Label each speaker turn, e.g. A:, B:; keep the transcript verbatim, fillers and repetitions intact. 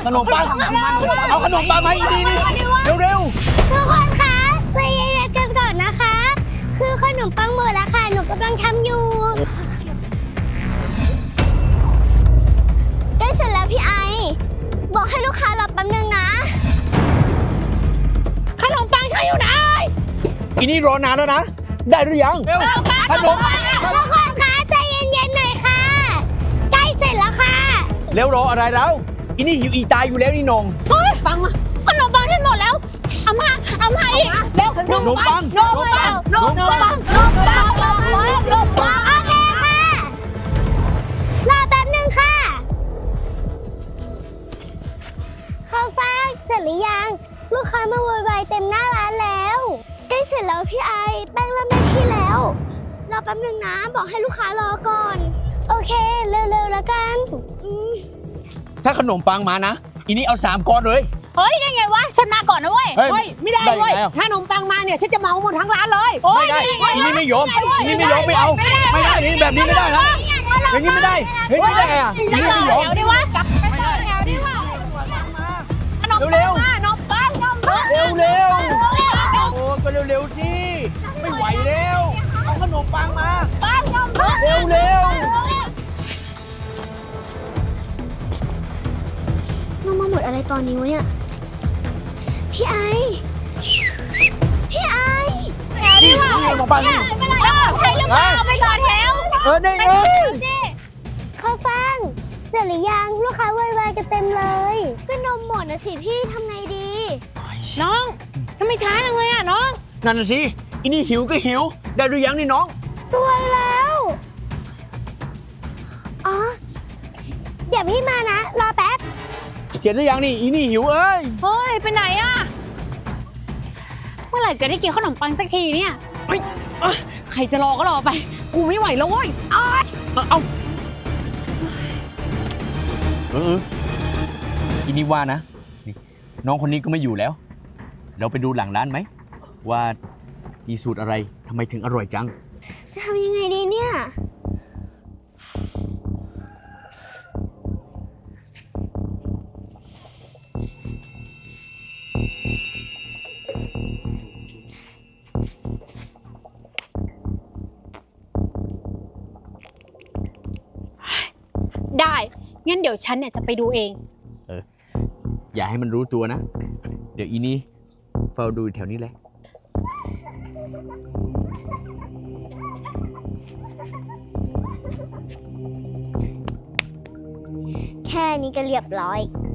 A: ขนมปังเอาขนมปังมาอีกทีนี่เร็วๆ
B: ทุกคนคะใจเย็นๆกันก่อนนะคะ คือขนมปังหมดแล้วค่ะหนูกำลังทำอยู่ใกล้เสร็จแล้วพี่ไอบอกให้ลูกค้ารอแป๊บนึงนะขนมปังใช้อยู่ไหน
A: อีนี่รอนานแล้วนะได้หรือยังเร็วขนม
B: ทุกคนคะใจเย็นๆหน่อยค่ะใกล้เสร็จแล้วค่ะ
A: เร็วรออะไรแล้วอีนี่หิวอีตายอยู่แล้วนี่นง
B: ปังขนมปังที่หมดแล้วเอามาเอามาอีกเร็วขนมปังขนมปังขนมปังขนมปังขนมปังขนมปังโอเคค่ะรอแป๊บนึงค่ะข้าวฟ่างเสร็จหรือยังลูกค้ามาโวยวายเต็มหน้าร้านแล้วใกล้เสร็จแล้วพี่ไอแป้งเริ่มได้ที่แล้วรอแป๊บนึงนะบอกให้ลูกค้ารอก่อนโอเคเร็วๆแล้วกัน
A: ถ้าขนมปังมานะอีนี่เอาสามก้อนเลย
B: เฮ้ยได้ไงวะฉันมาก่อนนะเว้ย
C: เฮ้ยไม่ได้เว้ยถ้าขนมปังมาเนี่ยฉันจะเมาหมดทั้งร้านเลย
A: ไม่ได้อีนี่ไม่ยอมอีนี่ไม่ยอมไม่เอาไม่ได้นี่แบบนี้ไม่ได้นะอย่างนี้ไม่ได้เฮ้ยไม่ได้อะอีนี่ไม่ยอม
B: เดี๋ยวดิวะไปต่อแถวดิวะ
A: เร็ว
C: ขนมปังขนมปัง
A: เร็วเร็วโอ้ก็เร็วๆสิไม่ไหวแล้วเอาขนมปังมา
C: ปังขนมปัง
A: เร็วเร็ว
B: น้องมาหมดอะไรตอนนี้วะเนี่ยพี่ไอพี่ไอแถวดิวะ
A: ขนมปังนี่
B: ใครหรือเปล่าไปต่อแถว
A: เออนี่เออ
B: ข้าวฟ่างเสร็จหรือยังลูกค้าไวๆกันเต็มเลยก็นมหมดนะสิพี่ทำไงดีน้องทำไมช้าจังเลยอ่ะน้อง
A: นั่นน่ะสิอีนี่หิวก็หิวได้หรือยังนี่น้อง
B: สวยแล้วอ๋อเดี๋ยวพี่มานะรอแป๊บ
A: เสร็จหรือยังนี่อีนี่หิวเอ้ย
B: เฮ้ยไปไหนอ่ะเมื่อไหร่จะได้กินขนมปังสักทีเนี่ย
C: เฮ้ยใครจะรอก็รอไปกูไม่ไหวแล้วเว้ย
A: เอาเอาเอออีนี่ว่านะนี่น้องคนนี้ก็ไม่อยู่แล้วเราไปดูหลังร้านไหมว่ามีสูตรอะไรทำไมถึงอร่อยจัง
B: จะทำยังไงดีเนี่ย
D: ได้งั้นเดี๋ยวฉันเนี่ยจะไปดูเอง
A: เอออย่าให้มันรู้ตัวนะเดี๋ยวอีนี่เฝ้าดูแถวนี้แหละ
B: แค่นี้ก็เรียบร้อย